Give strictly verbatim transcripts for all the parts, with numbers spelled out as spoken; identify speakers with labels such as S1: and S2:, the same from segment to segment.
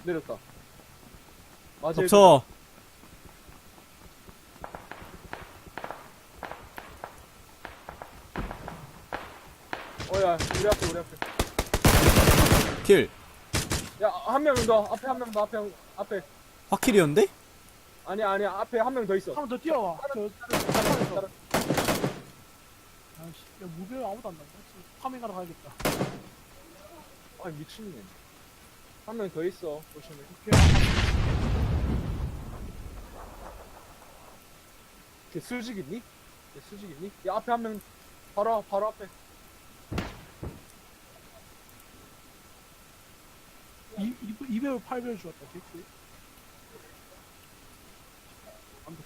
S1: 내렸다. 맞아.
S2: 덮쳐.
S1: 어야 우리 앞에 우리 앞에.
S2: 킬.
S1: 야 한 명 더 앞에 한 명 더 앞에 앞에.
S2: 확킬이었는데?
S1: 아니야 아니야 앞에 한 명 더 있어.
S3: 한 번 더 뛰어와. 저, 저, 저, 아이씨, 야, 무배 아무도 안 나온다. 파밍하러 가야겠다.
S1: 아 미친네. 한 명 더 있어. 조심해. 걔 수직 있니? 걔 수직 있니? 야 앞에 한 명 바로 앞, 바로 앞에.
S3: 이, 이, 이 배율 팔 배율 주었다. 개꿀. 완벽해.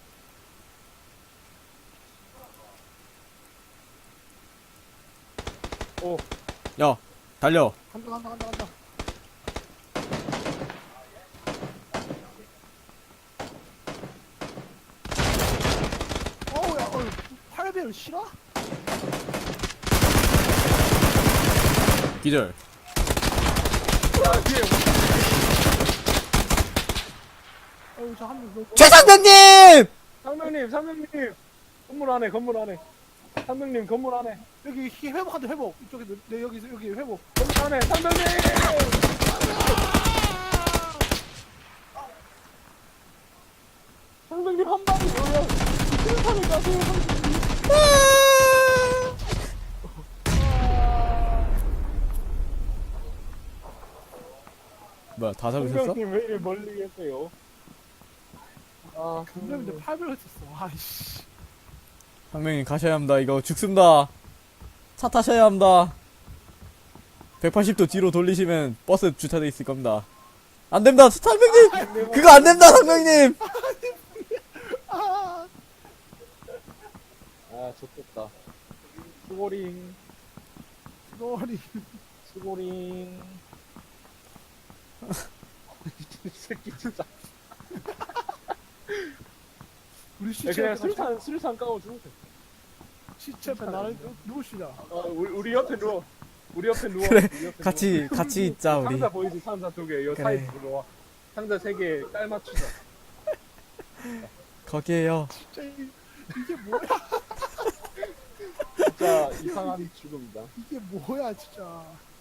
S1: 오.
S2: 야, 달려.
S3: 간다 간다 간다 간다. 어우 야 어우 팔 배율 싫어?
S2: 기절.
S1: 야 뒤에.
S3: 어우 저 한 명 너.
S2: 최상병님!
S1: 상명님 상명님. 건물 안에 건물 안에. 상명님 건물 안에.
S3: 여기 히- 회복한다 회복. 이쪽에 내, 내 여기 여기 회복.
S1: 건물 안에 상명님. 상명님 한 방에 뭐야? 세상에 가세요 상명님.
S2: 뭐야, 다 잡으셨어?
S1: 상명님 왜 이리 멀리 계세요? 아
S3: 근데 팔 배율 했었어. 아이씨.
S2: 상명님 가셔야 합니다. 이거 죽습니다. 차 타셔야 합니다. 백팔십 도 뒤로 돌리시면 버스 주차돼 있을 겁니다. 안 됩니다, 상명님! 그거 안 됩니다, 상명님!
S3: 아.
S1: 아 좋겠다. 수고링
S3: 머리.
S1: 수고링. 이 새끼 진짜.
S3: 우리
S1: 야,
S3: 시체
S1: 그냥
S3: 앞에
S1: 술탄 술탄 까고 죽으면 돼.
S3: 시체 앞에 나를 누구시냐?
S1: 어, 우리, 우리 옆에 누워. 우리 옆에 누워.
S2: 그래,
S1: 우리 옆에
S2: 같이, 같이 있자,
S1: 누워.
S2: 우리.
S1: 상자 보이지? 상자 두 개. 요
S2: 그래.
S1: 사이 들어와. 상자 세 개 깔맞추자.
S2: 거기에요.
S3: 진짜 이, 이게 뭐야?
S1: 진짜 이상한 죽음이다.
S3: 이게 뭐야 진짜.